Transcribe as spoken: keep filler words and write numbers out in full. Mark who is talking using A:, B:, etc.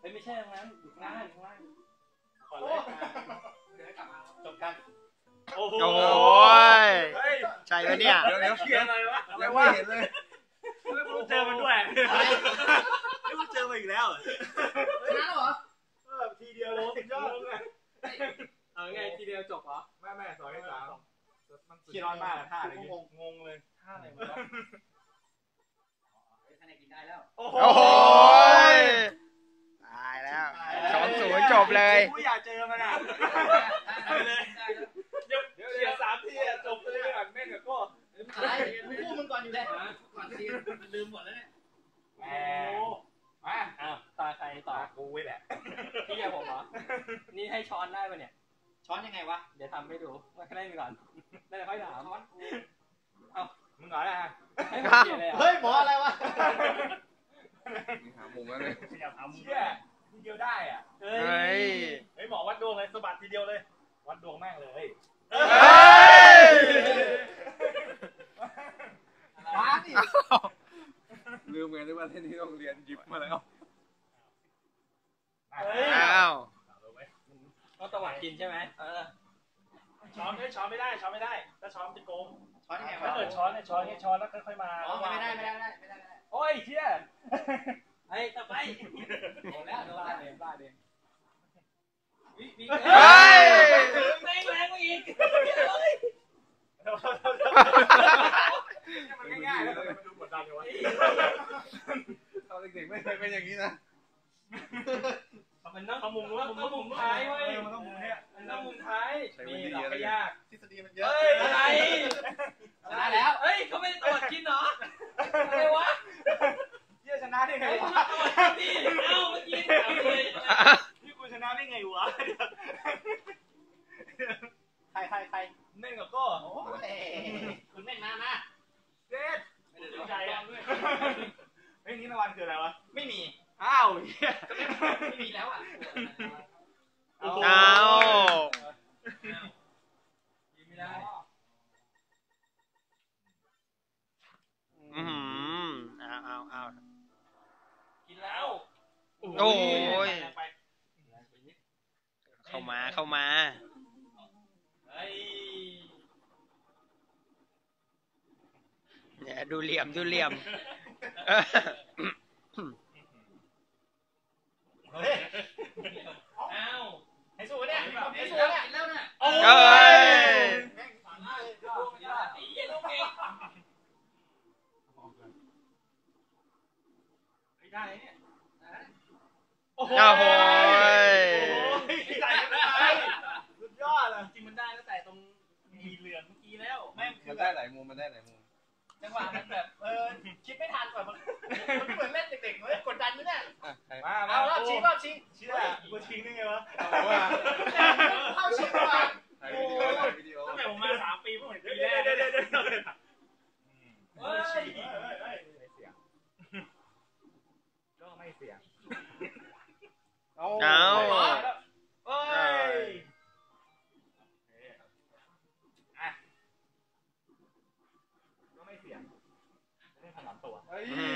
A: เฮ้ยไม่ใช่ตรงนั้นอยู่ข้างล่างอยู่ข้างล่างก่อนเลยเดี๋ยวกลับมาจบกันโอ้โห
B: ใช่ไหมเนี่ย
A: เดี๋ยวเดี๋ยวเขียนอะไรวะ
C: ยังไม่เห็นเลย
A: เจอมันด้วยไม่เจอมาอีกแล้ว
D: ชนะแล้วเหรอ
A: เออทีเดียวโลสุดยอดเลยเอาไงทีเดียวจบเหรอ
C: ไม่ไม่สองที่สาม
A: ขี้ร้อนมากท่าอะไรงงงงเลยท่าอะไรวะ
D: คะแนนกินได้แล้ว
B: โอ้โหตายแล้วสองศูนย์จบเลย
A: กูอยากเจอมันอ่ะไปเลยเดี๋ยวเดี๋ยวสามทีจบเลยอ่ะแม่งกับก็
D: อะไรคู่มึงก่อนอยู่แล้วก่อนทีมันลืมหมดแล้วเนี่ย
A: โอ้มาอ้าวตาใครต่อ
C: กูแหละ
A: พี่กับผมเหรอนี่ให้ช้อนได้ป่ะเนี่ย
D: ช้อนยังไงวะ
A: เดี๋ยวทำให้ดูมาแค่นี้ก่อนได้ค่อยถาม
D: ช้อนกู
A: เอ้ามึงเหรอนะ
D: เฮ้ยหมออะไรวะ
C: หามุมแล้วเลย
A: อยากทำเชี่ยทีเดียวได้อ่ะเฮ้ยเฮ้ยหมอวัดดวงเลยสะบัดทีเดียวเลยวัดดวงแม่งเลย
D: มาดิ
C: ลืมไงด้วยว่าเล่นที่โรงเรียนหยิบมาแล้ว
B: อ้าว
A: ก็ตะวัดกินใช่ไหมเออช้อนไม่ช้อนไม่ได้ช้อนไม่ได้ถ้าช้อนจะโกง
D: ช้อนยังไง
A: ถ้าเกิดช้อนเนี่ยช้อนเนี่ยช้อนแล้วค่อยๆมา
D: อ๋อไม่ได้ไม่ได้ไม่ได้ไม่ได้
A: โอ้ยเชี่ยไอ้ต่อไป
D: โอ้แล้วโดนลาเดนลาเดน
A: วิวิเฮ้ยแรงแรงกว่าอีกมันง่ายๆแล้วมันดูกดดันอยู่วะ
C: ตอนเด็กๆไม่เคยเป็นอย่างนี้นะ
A: มันต้องมุมนู้นมุมมุมท้ายเว้ยมันต้องมุมเนี้ยมันต้องมุมท้ายมีหลักยาก
D: ทฤษฎีมันเยอะ
A: อะไร
D: ชนะแล้ว
A: เฮ้ยเขาไม่ได้ตรวจกินเหรออะไรวะเยี่ยชนะได้ไงวะตรวจกินดิเอ้าเมื่อกี้ถามเลยนี่กูชนะได้ไงวะ
D: ใครใครใคร
A: เน่นกับก็
D: โอ้ยคุณเน่นมามา
A: เด็ดไม่ได้ใจอ่ะเฮ้ยนี่รางวัลคืออะไรวะ
D: ไม่มี
A: อ้าว
D: ไม่มีแล้วอ่ะ
B: อ้าว
A: ยิงไม่ได้
B: อืมอ้าวอ้าวอ้าว
A: กินแล้ว
B: โอ้ยเข้ามาเข้ามาเนี่ยดูเหลี่ยมดูเหลี่ยม
A: เฮ้ยอ้าวให้สู้เนี่ยให้สู้เนี่ย
D: แล้วเนี่ย
A: โอ้ยได้เนี่ยโอ้โหใส่กันได้สุดยอดเลยจริงมันได้ตั้งแต่ตรงมีเหลืองเมื่อกี้แล้วแม่ง
C: มันได้หลายมุมมันได้หลายมุม
D: จังหวะมันแบบเออคิดไม่ทันแบบมันเหมือนเล่นเด็กๆเลยกดดันมั้ยเนี่ย
A: มา
D: เอารอบชิงรอบชิง
A: เชื่อกูชิงได้ไงวะ
D: เข้าชิงก่อน
C: ถ่ายวิดีโอถ่ายวิดีโอ
A: ตั้งแต่ผมมาสามปีเพิ่งเห็นปีแรกเดี๋ยวเดี๋ยวเดี๋ยวเฮ้ยเสียงก็ไม่เสียง
B: เอา
A: เอ้ยอ่ะก็ไม่เสียงไม่ถนัดตัวเฮ้ย